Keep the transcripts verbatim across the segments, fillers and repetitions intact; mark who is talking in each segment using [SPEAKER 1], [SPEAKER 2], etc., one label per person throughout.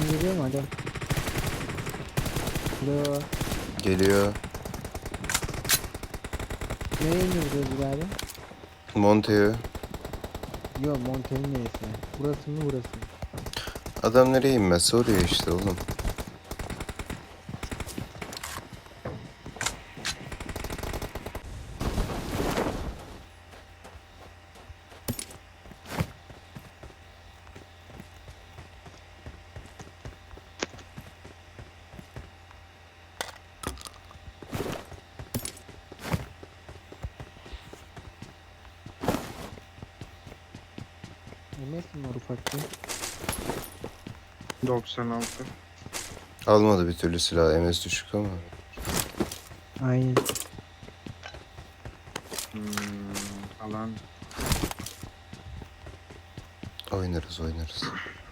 [SPEAKER 1] Sesim geliyor mu? Alo. Alo.
[SPEAKER 2] Geliyor.
[SPEAKER 1] Nereye iniyoruz birader?
[SPEAKER 2] Monte'ye.
[SPEAKER 1] Yo, Montel'in neresi? Burası mı burası mı?
[SPEAKER 2] Adam nereye inmezse oraya işte oğlum.
[SPEAKER 1] M S mi var ufakta?
[SPEAKER 3] doksan altı.
[SPEAKER 2] Almadı bir türlü silah. M S düşük ama.
[SPEAKER 1] Aynen.
[SPEAKER 3] Hmm, alan.
[SPEAKER 2] Oynarız oynarız.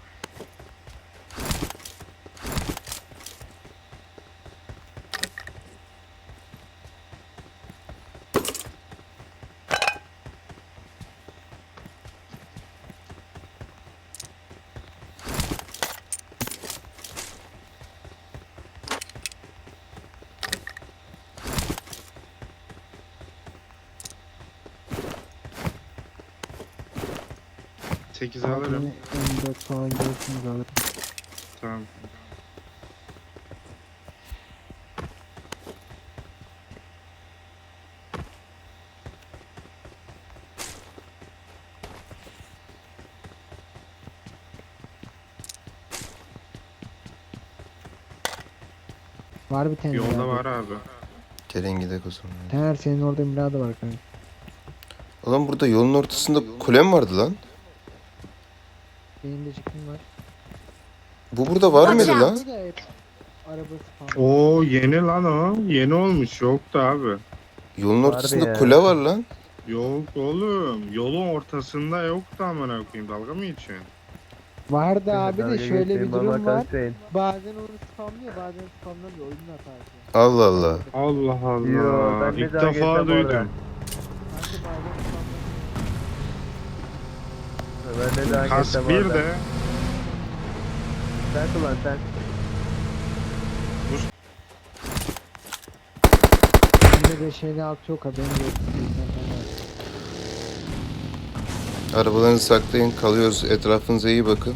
[SPEAKER 3] sekiz alırım.
[SPEAKER 1] M dört falan görürsünüz alırım.
[SPEAKER 3] Tamam.
[SPEAKER 1] Var bir tane
[SPEAKER 3] Yolda
[SPEAKER 1] birader.
[SPEAKER 3] var abi.
[SPEAKER 2] Gelin gidelim o zaman.
[SPEAKER 1] Taner senin orada birader var kanka.
[SPEAKER 2] Oğlum burada yolun ortasında kule mi vardı lan?
[SPEAKER 1] Benim de çıkım var.
[SPEAKER 2] Bu burada var
[SPEAKER 4] Watch
[SPEAKER 2] mıydı
[SPEAKER 4] out.
[SPEAKER 2] lan?
[SPEAKER 1] Burada hep arabası falan.
[SPEAKER 3] Oo yeni lan o. Yeni olmuş. Yoktu abi.
[SPEAKER 2] Yolun
[SPEAKER 5] Vardı
[SPEAKER 2] ortasında
[SPEAKER 5] ya.
[SPEAKER 2] kule var lan.
[SPEAKER 3] Yok oğlum. Yolun ortasında yoktu amına koyayım. Dalga mı geçiyorsun?
[SPEAKER 1] Vardı abi de
[SPEAKER 5] Dalga
[SPEAKER 1] şöyle bir
[SPEAKER 5] geçmeyin baba,
[SPEAKER 1] durum var.
[SPEAKER 5] kalkmayın.
[SPEAKER 1] Bazen onu spamlıyor, bazen spamlamıyor. Oyunun hatası.
[SPEAKER 2] Allah Allah.
[SPEAKER 3] Allah Allah.
[SPEAKER 5] Yo, ben de
[SPEAKER 3] İlk
[SPEAKER 5] dalga
[SPEAKER 3] defa
[SPEAKER 5] geçmem
[SPEAKER 3] duydum.
[SPEAKER 5] orada.
[SPEAKER 1] Kanka bazen spamlamıyor.
[SPEAKER 5] Ben de daha
[SPEAKER 3] Kask
[SPEAKER 5] geçsem
[SPEAKER 3] bir
[SPEAKER 5] orada.
[SPEAKER 3] de.
[SPEAKER 5] Sen kullan sen.
[SPEAKER 1] Bende beş elli altı yok haberin yok.
[SPEAKER 2] Arabalarınızı saklayın. Kalıyoruz. Etrafınıza iyi bakın.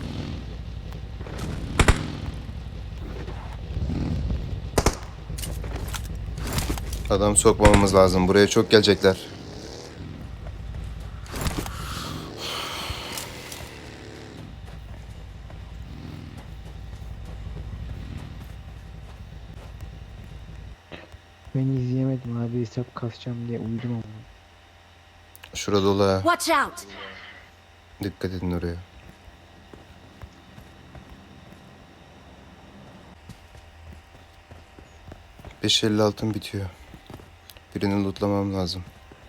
[SPEAKER 2] Adam sokmamamız lazım. Buraya çok gelecekler.
[SPEAKER 1] Ben izleyemedim abi, hesap kasacağım diye uyudum ama.
[SPEAKER 2] Şurada dolu ha.
[SPEAKER 4] Watch out!
[SPEAKER 2] Dikkat edin oraya. beş elli altın bitiyor. Birini lootlamam lazım.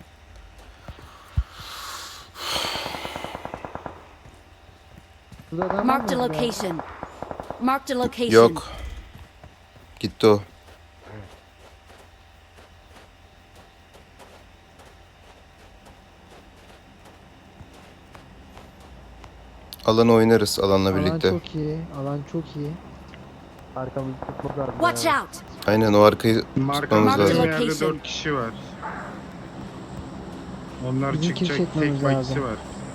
[SPEAKER 1] Burada adam var
[SPEAKER 4] Marked a
[SPEAKER 1] mı abi?
[SPEAKER 4] location. Marked a location.
[SPEAKER 2] Yok. Gitti o. Alanı oynarız alanla
[SPEAKER 1] Alan
[SPEAKER 2] birlikte.
[SPEAKER 1] çok iyi, alan çok iyi.
[SPEAKER 5] Arkamızı tutmak lazım.
[SPEAKER 4] Watch
[SPEAKER 5] ya.
[SPEAKER 4] out!
[SPEAKER 2] Aynen o arkayı tutmamız
[SPEAKER 3] Markamızda
[SPEAKER 4] Marked
[SPEAKER 2] lazım.
[SPEAKER 3] bir yerde
[SPEAKER 4] location.
[SPEAKER 3] dört kişi var. Onlar
[SPEAKER 1] Bizim kill
[SPEAKER 3] çıkacak.
[SPEAKER 1] çekmemiz
[SPEAKER 3] Tek bayisi
[SPEAKER 1] lazım.
[SPEAKER 3] var.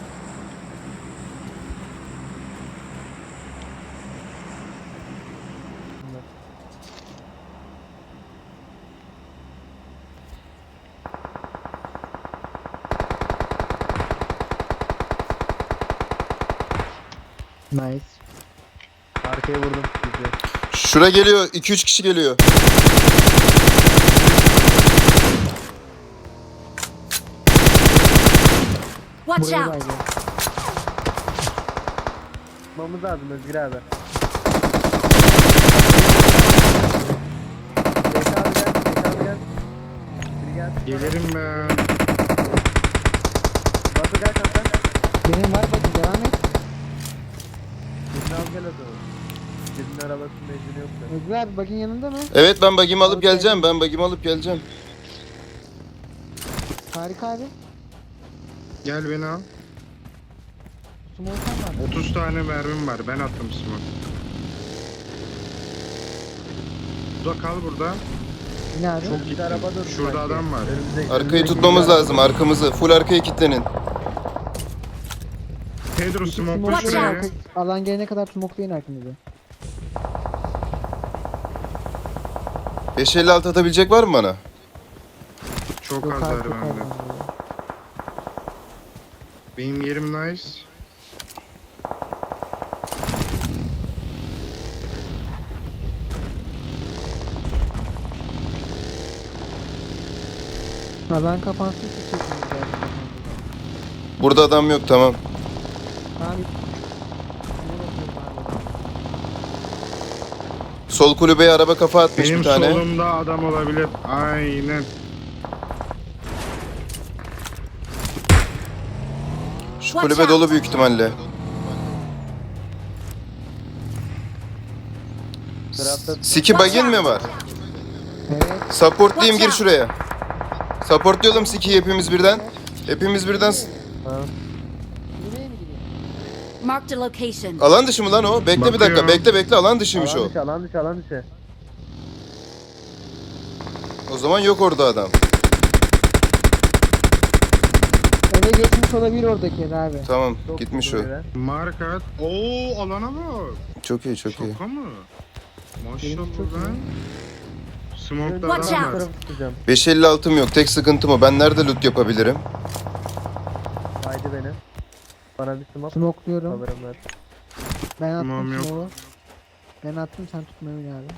[SPEAKER 1] Nice.
[SPEAKER 5] Arkaya vurdum sizi.
[SPEAKER 2] Şura geliyor. iki üç kişi geliyor.
[SPEAKER 4] Watch
[SPEAKER 1] Buraya
[SPEAKER 4] out!
[SPEAKER 1] baydı.
[SPEAKER 5] Tutmamız lazım Özgür abi. Zeki abi gel. Zeki abi gel. Biri gel.
[SPEAKER 3] Gelirim ben.
[SPEAKER 5] Batu gel kaptan.
[SPEAKER 1] Benim var bakın, devam et.
[SPEAKER 5] Birini al gel o zaman. Birinin arabasının benzini yoksa.
[SPEAKER 1] Özgür abi bakın yanında mı?
[SPEAKER 2] Evet ben bagimi alıp
[SPEAKER 1] Okey.
[SPEAKER 2] geleceğim. Ben bagimi alıp geleceğim.
[SPEAKER 1] Harika abi.
[SPEAKER 3] Gel beni al.
[SPEAKER 1] Smolkan var.
[SPEAKER 3] otuz tane mermim var. Ben attım smoke. Burada kal burada.
[SPEAKER 1] Ne abi?
[SPEAKER 3] Çok
[SPEAKER 5] Bir
[SPEAKER 3] gittin.
[SPEAKER 5] araba durdu
[SPEAKER 3] Şurada
[SPEAKER 5] sanki.
[SPEAKER 3] adam var.
[SPEAKER 5] Önümüzde-
[SPEAKER 2] Arkayı
[SPEAKER 5] önümüzdeki
[SPEAKER 2] tutmamız
[SPEAKER 5] bir
[SPEAKER 2] lazım, arkamızı. Full arkaya kilitlenin.
[SPEAKER 3] Pedro smoke'la
[SPEAKER 1] Smoke'layın
[SPEAKER 4] Watch
[SPEAKER 3] şuraya.
[SPEAKER 1] arka- Alan gelene kadar smoke'layın arkanızı.
[SPEAKER 2] beş elli altı atabilecek var mı bana?
[SPEAKER 3] Çok
[SPEAKER 1] Yok
[SPEAKER 3] az
[SPEAKER 1] abi
[SPEAKER 3] var
[SPEAKER 1] çok az
[SPEAKER 3] bende.
[SPEAKER 1] var.
[SPEAKER 3] Benim yerim nice.
[SPEAKER 1] Alan kapansın sıçıyorsunuz zaten.
[SPEAKER 2] Burada adam yok, tamam.
[SPEAKER 1] Tamam. Ne bakıyorum abi?
[SPEAKER 2] Sol kulübeye araba kafa atmış
[SPEAKER 3] Benim
[SPEAKER 2] bir tane.
[SPEAKER 3] solumda adam olabilir. Aynen.
[SPEAKER 2] Şu kulübe dolu büyük ihtimalle.
[SPEAKER 5] tarafta
[SPEAKER 2] Siki bagin mi var?
[SPEAKER 1] Evet.
[SPEAKER 2] Supportlayayım, gir şuraya. Supportlayalım Siki'yi hepimiz birden. Hepimiz birden. s-
[SPEAKER 5] ha.
[SPEAKER 1] Nereye mi gidiyor?
[SPEAKER 4] Marked a location.
[SPEAKER 2] Alan dışı mı lan o? Bekle bir dakika,
[SPEAKER 3] Bakıyorum.
[SPEAKER 2] bekle bekle, alan dışıymış
[SPEAKER 5] Alan
[SPEAKER 2] o.
[SPEAKER 5] dışı, alan dışı, alan dışı.
[SPEAKER 2] O zaman yok orada adam.
[SPEAKER 1] Eve geçmiş olabilir oradaki abi.
[SPEAKER 2] Tamam,
[SPEAKER 5] Çok
[SPEAKER 2] gitmiş o.
[SPEAKER 5] vurdu yere.
[SPEAKER 3] Markat. Oo alana bak.
[SPEAKER 2] Çok iyi, çok iyi.
[SPEAKER 3] Şaka mı?
[SPEAKER 1] Benim çok
[SPEAKER 3] Maşallah lan. Smoke'da
[SPEAKER 4] Watch
[SPEAKER 3] adam
[SPEAKER 4] out.
[SPEAKER 3] var.
[SPEAKER 5] Tarafı tutacağım.
[SPEAKER 2] beş elli altım yok, tek sıkıntım o. Ben nerede loot yapabilirim?
[SPEAKER 5] Haydi beni. Bana bir smoke
[SPEAKER 1] Smoke'luyorum.
[SPEAKER 5] alırım ver.
[SPEAKER 1] Ben
[SPEAKER 3] Tamam,
[SPEAKER 1] attım
[SPEAKER 3] yok.
[SPEAKER 1] smoke'u. Ben attım sen tutma öyle abi.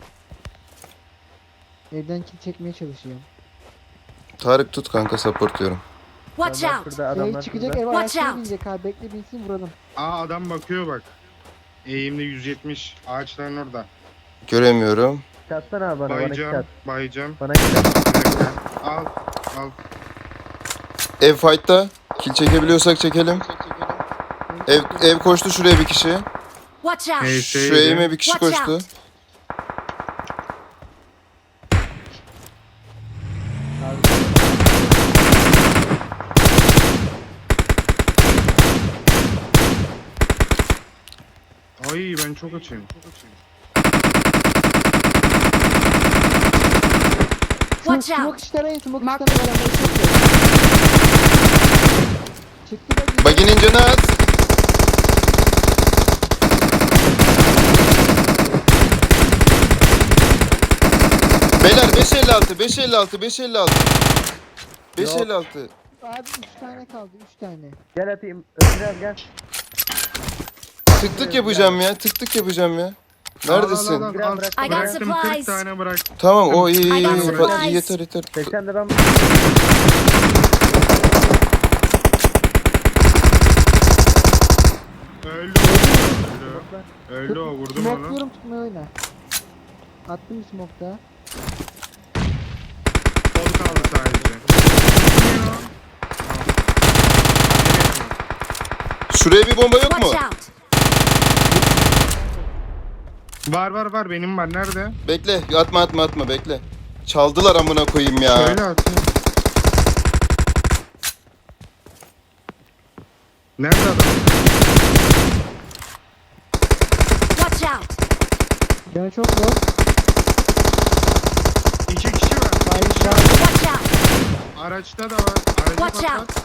[SPEAKER 1] Evden kill çekmeye çalışıyorum.
[SPEAKER 2] Tarık tut kanka, supportluyorum.
[SPEAKER 4] Watch
[SPEAKER 5] Adamlar
[SPEAKER 4] out.
[SPEAKER 5] şurada,
[SPEAKER 1] Şey
[SPEAKER 5] adamlar
[SPEAKER 1] çıkacak
[SPEAKER 5] şurada.
[SPEAKER 1] ev
[SPEAKER 4] Watch
[SPEAKER 1] araçları
[SPEAKER 4] out.
[SPEAKER 1] binecek abi. Bekle binsin vuralım.
[SPEAKER 3] Aa adam bakıyor bak. Eğimde yüz yetmiş. Ağaçların orada.
[SPEAKER 2] Göremiyorum.
[SPEAKER 5] Çatsana abi bana, bana iki
[SPEAKER 3] Bayacağım.
[SPEAKER 5] çat.
[SPEAKER 3] Bayacağım.
[SPEAKER 5] Bana iki çat.
[SPEAKER 3] Al. Al.
[SPEAKER 2] Ev fight'ta. Kill çekebiliyorsak çekelim. Ev ev koştu şuraya bir kişi.
[SPEAKER 4] Watch out.
[SPEAKER 3] Hey,
[SPEAKER 2] Şu
[SPEAKER 3] şeydi.
[SPEAKER 2] eğime bir kişi
[SPEAKER 4] Watch
[SPEAKER 2] koştu.
[SPEAKER 4] out.
[SPEAKER 3] Ay ben çok açayım.
[SPEAKER 1] Şu
[SPEAKER 4] Watch
[SPEAKER 1] smoke
[SPEAKER 4] out.
[SPEAKER 1] işleri arayın. Smoke
[SPEAKER 4] Mark-
[SPEAKER 1] işleri beraber çıktı. Çıktı da
[SPEAKER 2] Baginin canı az. Beyler beş elli altı, beş elli altı, beş elli altı. beş elli altı.
[SPEAKER 1] Abi üç tane kaldı. üç tane.
[SPEAKER 5] Gel atayım. Öpeceğim gel.
[SPEAKER 2] Tık tık yapacağım ya, tık tık yapacağım ya. Neredesin?
[SPEAKER 3] Al, al, al,
[SPEAKER 5] Biraz
[SPEAKER 3] al.
[SPEAKER 5] bırak.
[SPEAKER 4] I got
[SPEAKER 3] Bıraktım kırk
[SPEAKER 4] supplies.
[SPEAKER 3] tane bıraktım.
[SPEAKER 2] Tamam, o iyi iyi
[SPEAKER 4] I got
[SPEAKER 2] iyi.
[SPEAKER 4] supplies.
[SPEAKER 2] Fa- yeter yeter.
[SPEAKER 5] seksen de ben
[SPEAKER 3] Öldü. Öldü. Öldü o vurdum onu.
[SPEAKER 1] Smoke'luyorum tutma oyna. Attım bir smoke daha.
[SPEAKER 3] Sol kaldı sadece.
[SPEAKER 2] Şuraya bir bomba yok mu?
[SPEAKER 4] Watch out.
[SPEAKER 3] Var var var benim var. Nerede?
[SPEAKER 2] Bekle, atma atma atma, bekle. Çaldılar amına koyayım ya.
[SPEAKER 3] Şöyle atayım. Nerede adam?
[SPEAKER 4] Watch out.
[SPEAKER 1] Yani çok zor.
[SPEAKER 3] İki kişi var.
[SPEAKER 1] Hayır
[SPEAKER 3] İki kişi
[SPEAKER 1] var.
[SPEAKER 3] var.
[SPEAKER 4] Watch out.
[SPEAKER 3] Araçta da var. Aracı
[SPEAKER 4] Watch
[SPEAKER 3] patlat.
[SPEAKER 4] out.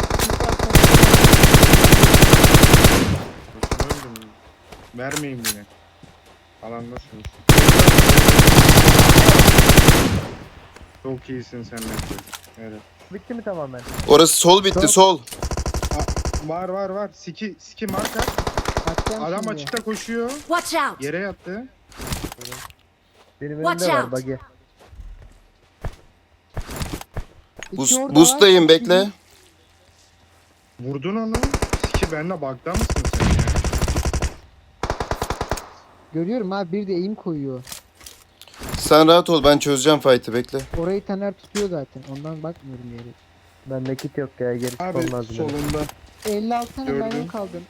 [SPEAKER 3] Öldüm. Vermeyeyim yine. Alandasınız. Çok iyisin sen Mete. Evet.
[SPEAKER 5] bitti mi tamamen?
[SPEAKER 2] Orası sol bitti,
[SPEAKER 1] Çok-
[SPEAKER 2] sol.
[SPEAKER 3] Var var var. Siki siki marka.
[SPEAKER 1] Atacağım
[SPEAKER 3] Adam
[SPEAKER 1] şimdi.
[SPEAKER 3] açıkta koşuyor.
[SPEAKER 4] Watch out.
[SPEAKER 3] Yere yattı.
[SPEAKER 5] Benim
[SPEAKER 4] Watch
[SPEAKER 5] önümde var
[SPEAKER 4] out.
[SPEAKER 5] buggy.
[SPEAKER 1] İki
[SPEAKER 2] Bus,
[SPEAKER 1] orada
[SPEAKER 2] boost'tayım,
[SPEAKER 1] var.
[SPEAKER 2] bekle.
[SPEAKER 3] Vurdun onu. Siki benle bug'da mısın sen ya?
[SPEAKER 1] Görüyorum abi bir de eğim koyuyor.
[SPEAKER 2] Sen rahat ol, ben çözeceğim fight'ı, bekle.
[SPEAKER 1] Orayı Taner tutuyor zaten. Ondan bakmıyorum yere.
[SPEAKER 5] Bende kit yok ya, geri
[SPEAKER 3] Abi
[SPEAKER 5] çıkmam lazım. benim.
[SPEAKER 3] solunda.
[SPEAKER 1] elli altı tane
[SPEAKER 3] Gördüm.
[SPEAKER 1] mermim kaldı.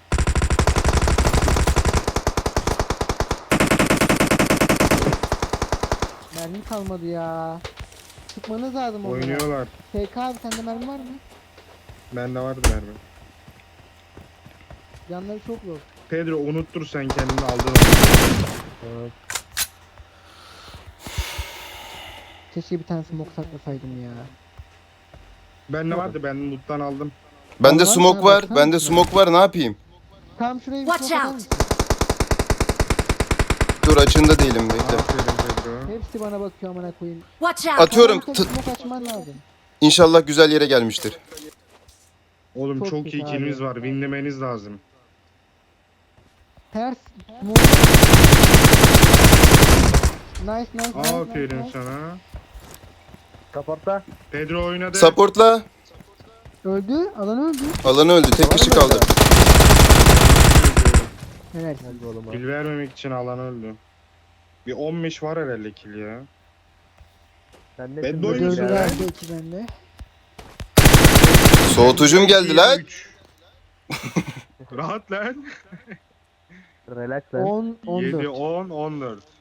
[SPEAKER 1] Mermim kalmadı ya. Çıkmanız lazım onlara.
[SPEAKER 3] Oynuyorlar.
[SPEAKER 1] T K abi sende mermi var mı?
[SPEAKER 3] Bende vardı mermi.
[SPEAKER 1] Canları çok zor.
[SPEAKER 3] Pedro unuttur sen kendini aldın onu.
[SPEAKER 5] Evet.
[SPEAKER 1] Keşke bir tane smoke saklasaydım ya.
[SPEAKER 3] Ben ne vardı? Ben loot'tan aldım.
[SPEAKER 2] Bende
[SPEAKER 1] Vallahi
[SPEAKER 2] smoke
[SPEAKER 1] sana
[SPEAKER 2] var.
[SPEAKER 1] baksana
[SPEAKER 2] Bende
[SPEAKER 1] şuna.
[SPEAKER 2] smoke var. Ne yapayım?
[SPEAKER 1] Tam şuraya bir
[SPEAKER 4] Watch
[SPEAKER 1] smoke atar
[SPEAKER 4] out.
[SPEAKER 1] mısın?
[SPEAKER 2] Dur açığında değilim bekle.
[SPEAKER 3] Aferin Pedro.
[SPEAKER 1] Hepsi bana bakıyor amına koyayım.
[SPEAKER 4] Watch out!
[SPEAKER 2] Atıyorum.
[SPEAKER 1] Tam
[SPEAKER 2] T-
[SPEAKER 1] smoke açman lazım.
[SPEAKER 2] İnşallah güzel yere gelmiştir.
[SPEAKER 3] Oğlum
[SPEAKER 1] Çok
[SPEAKER 3] çok,
[SPEAKER 1] kötü
[SPEAKER 3] iyi
[SPEAKER 1] abi.
[SPEAKER 3] killimiz var. Winlemeniz lazım.
[SPEAKER 1] Ters smoke. Nice nice nice.
[SPEAKER 3] Aferin
[SPEAKER 1] nice, nice.
[SPEAKER 3] sana.
[SPEAKER 5] Kaporta.
[SPEAKER 3] Pedro oynadı.
[SPEAKER 2] Supportla.
[SPEAKER 1] Öldü. Alan öldü.
[SPEAKER 2] Alan öldü. Tek kişi kaldı.
[SPEAKER 1] Helal.
[SPEAKER 5] Hadi oğlum ha.
[SPEAKER 3] Kill vermemek için alan öldü. Bir on beş var herhalde kill ya.
[SPEAKER 5] Sen ne
[SPEAKER 3] Ben
[SPEAKER 5] şimdi
[SPEAKER 3] de oynuyorum
[SPEAKER 1] Dördü
[SPEAKER 3] ya.
[SPEAKER 1] verdi iki bende.
[SPEAKER 2] Soğutucum geldi lan.
[SPEAKER 3] üç. Rahat lan.
[SPEAKER 5] Relax lan.
[SPEAKER 1] on on
[SPEAKER 3] yedi,
[SPEAKER 1] dört.
[SPEAKER 3] on, on dört.